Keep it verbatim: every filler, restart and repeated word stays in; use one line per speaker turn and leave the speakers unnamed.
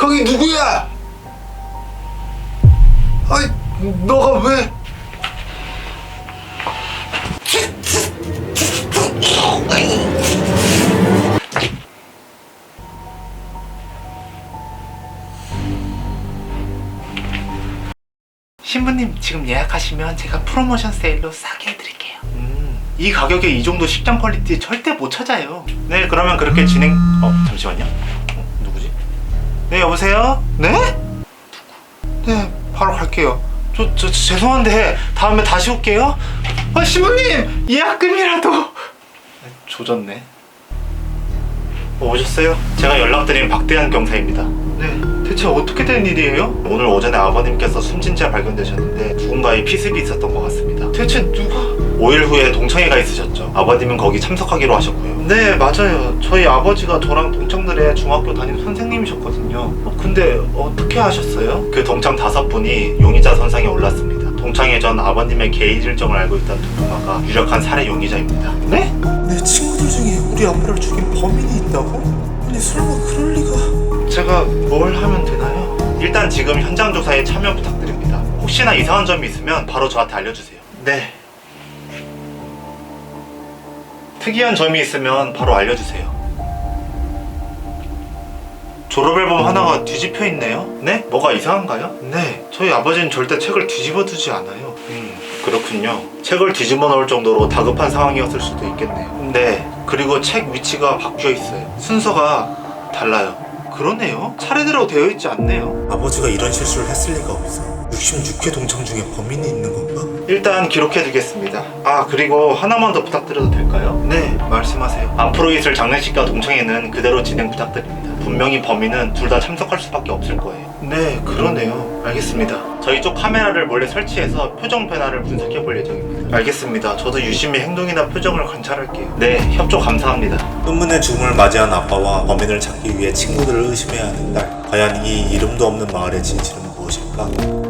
거기 누구야? 아이, 너가 왜?
신부님 지금 예약하시면 제가 프로모션 세일로 싸게 해드릴게요. 음, 이 가격에 이 정도 식당 퀄리티 절대 못 찾아요. 네, 그러면 그렇게 진행... 어, 잠시만요. 어, 누구지? 네, 여보세요? 네? 네, 바로 갈게요. 저, 저, 저 죄송한데 다음에 다시 올게요. 아, 신부님! 예약금이라도... 조졌네. 어, 오셨어요? 제가 연락드린 박대한 경사입니다. 네, 대체 어떻게 된 일이에요? 오늘 오전에 아버님께서 숨진 채 발견되셨는데 누군가의 피습이 있었던 것 같습니다. 대체 누가? 오 일 후에 동창회가 있으셨죠. 아버님은 거기 참석하기로 하셨고요. 네, 맞아요. 저희 아버지가 저랑 동창들의 중학교 담임 선생님이셨거든요. 어, 근데 어떻게 하셨어요? 그 동창 다섯 분이 용의자 선상에 올랐습니다. 동창회 전 아버님의 개인 일정을 알고 있던 누군가가 유력한 살해 용의자입니다. 네?
내 친구들 중에 우리 아빠를 죽인 범인이 있다고? 아니 설마 그럴 리가?
제가 뭘 하면 되나요? 일단 지금 현장 조사에 참여 부탁드립니다. 혹시나 이상한 점이 있으면 바로 저한테 알려주세요. 네. 특이한 점이 있으면 바로 알려주세요. 졸업앨범 하나가 뒤집혀 있네요? 네? 뭐가 이상한가요? 네. 저희 아버지는 절대 책을 뒤집어 두지 않아요. 음, 그렇군요. 책을 뒤집어 놓을 정도로 다급한 상황이었을 수도 있겠네요. 네. 그리고 책 위치가 바뀌어 있어요. 순서가 달라요. 그러네요. 차례대로 되어 있지 않네요.
아버지가 이런 실수를 했을 리가 없어. 육십육 회 동창 중에 범인이 있는 건가?
일단 기록해두겠습니다. 아, 그리고 하나만 더 부탁드려도 될까요? 네, 말씀하세요. 앞으로 있을 장례식과 동창회는 그대로 진행 부탁드립니다. 분명히 범인은 둘 다 참석할 수밖에 없을 거예요. 네, 그러네요. 알겠습니다. 저희 쪽 카메라를 몰래 설치해서 표정 변화를 분석해볼 예정입니다. 알겠습니다. 저도 유심히 행동이나 표정을 관찰할게요. 네, 협조 감사합니다.
은문의 죽음을 맞이한 아빠와 범인을 찾기 위해 친구들을 의심해야 하는 딸. 과연 이 이름도 없는 마을의 진실은 무엇일까?